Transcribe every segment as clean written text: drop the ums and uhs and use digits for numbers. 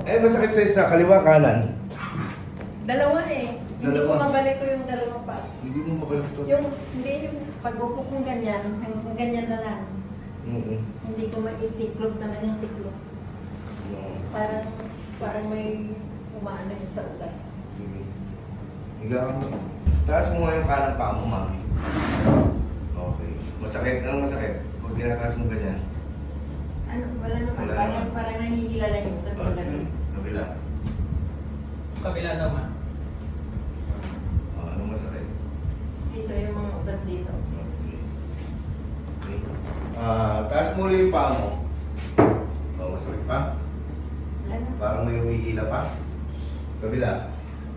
masakit sa'yo sa kaliwa, kanan. Dalawa eh. Hindi ko Dalawa. mabalik ko yung dalawang pa. Hindi mo mabalik to. Hindi yung pag-upo kong ganyan, hanggang ganyan na lang. Hindi ko maitiklog na lang yung tiklog. Parang may umaano yung sa ugat. Sige. Higa ka mo. Taas mo nga yung kanang paa mo, mami. Okay. Masakit? Anong masakit? Pag tinataas mo ganyan. Ano, wala naman. Wala naman. Parang nangihila lang yung ugat. Oh, sige. Kabila. Kabila daw, ma. Anong masakit? Dito yung mga ugat dito. Oh, sige. Okay. Taas mo ulit yung paa mo. Masakit pa? Wala na. Parang may umihila pa. Kabila.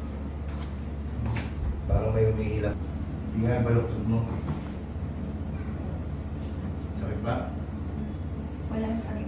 Parang may umihila. Sige nga, baluktot mo. Sakit ba? Walang sakit.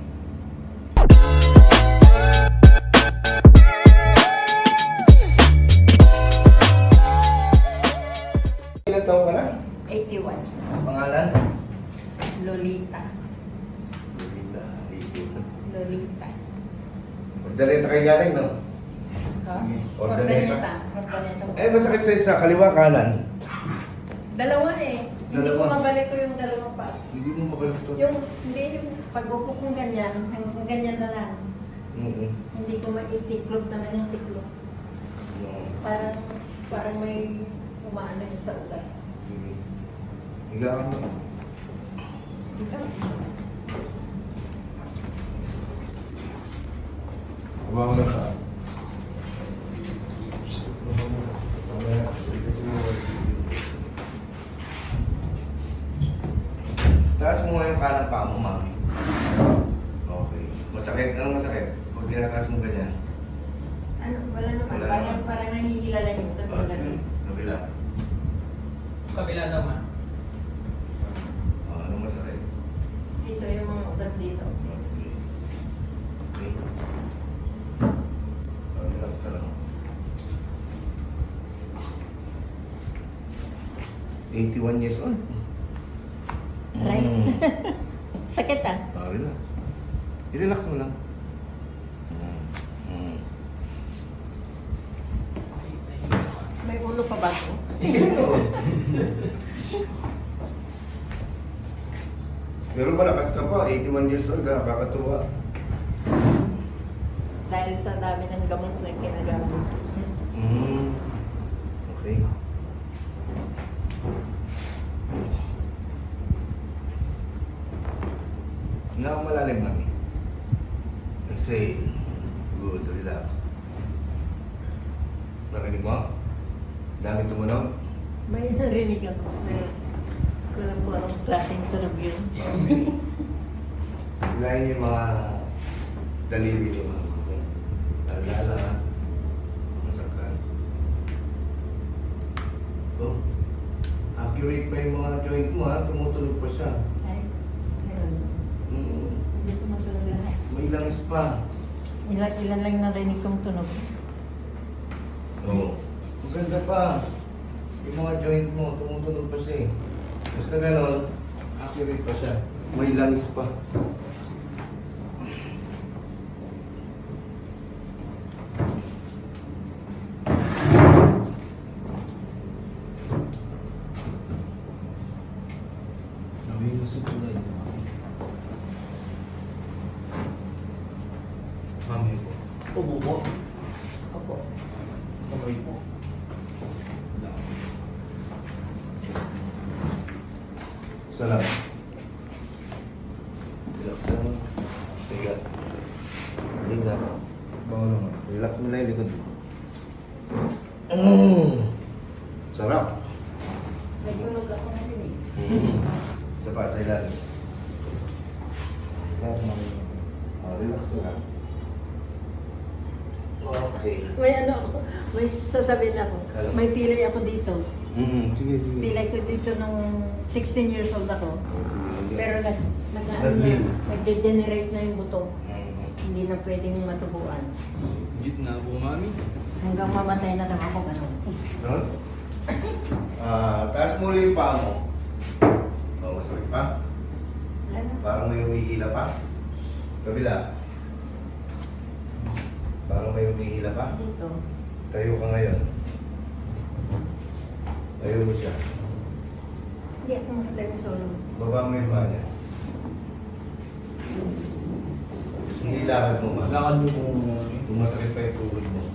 Ilan taon ka na? 81. Pangalan? Lolita. Lolita. Lolita. Ordaleta kayo galing, no? Ha? Sige. Ordaneta. Masakit sa'yo sa kaliwa, kanan. Dalawa eh. Hindi ko Dalawa. mabalik ko yung dalawang pa. Hindi mo mabalik to. Hindi yung pag-upo kong ganyan, hanggang ganyan na lang. Hindi ko maitiklog na lang yung tiklog. Parang may umaano yung sa ugat. Sige. Higa ka mo. Ikaw? Huwag mo na ka. Taas mo nga yung kanang paa mo, mami. Okay. Masakit? Anong masakit? Pag tinataas mo ganyan. Ano, wala naman. Wala naman. Parang nangihila lang yung ugat. Oh, sige. Kabila. Kabila daw, ma. Anong masakit? Dito yung mga ugat dito. Oh, sige. Okay. Relax ka lang. 81 years old. Right? Sakit ah. Relax. I-relax mo lang. May ulo pa ba ito? Pero malakas ka pa, 81 years old ka, baka tuwa. Dahil sa dami ng gamot na ginagamit. Okay. Hindi ako malalim, mami. Exhale. Good, relax. Narinig mo? Dami tumunog? May narinig ako. Kulang po anong klaseng tunog yun. Hilahin yung mga daliri ni mama. Lalala. Masakal. Oh. Accurate pa yung mga joint mo, ha? Tumutunog pa siya. Ay, meron. Hindi ko masunod lahat. May langis pa. Ilan lang narinig kong tunog. Oo. Maganda pa. Yung mga joint mo, tumutunog pa siya eh. Basta gano'n, accurate pa siya. May langis pa. Nawin mo sa tulad. Mami po. Ubo po. Opo. Kamay po. Isa lang. Relax lang. Sige. Higa. Bango naman. Relax mo lang yung likod. Sarap. May tunog ako narinig. Isa pa, sa ilalim. Relax mo lang. Okay. May ano ako, may sasabihin ako. May pilay ako dito. Sige, sige. Pilay ko dito nung 16 years old ako. Sige. Pero Nag-heal. nag-degenerate na yung buto. Hindi na pwedeng matubuan. Jeep na po, mami. Hanggang mamatay na lang ako gano'n. Doon? Taas mo ulit yung paa mo. Masakit pa? Ano? Parang may umihila pa. Kabila. Parang may umihila pa. Dito. Tayo ka ngayon. Tayo mo siya. Hindi ako makatayo solo. Baba mo yung paa niya. Hindi lakad mo, ma'am. Lakad niyo po mami. Kung masakit pa yung tuhod mo.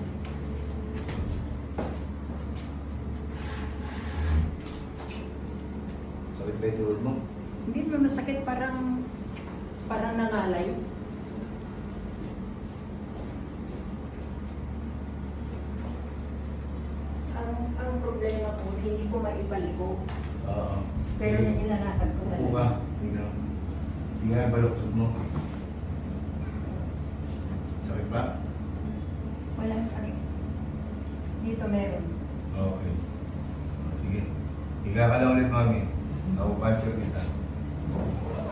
Sakit pa yung tuhod mo? Hindi ba masakit, parang nangalay. Ang problema ko, hindi ko maipaliko. Oo. Pero yung ilalakad ko Upo ka. Tingnan. Sige nga, baluktot mo. Sakit pa? Walang sakit. Dito meron. Okay. Sige. Higa ka na ulit, mami. Ako puncher kita.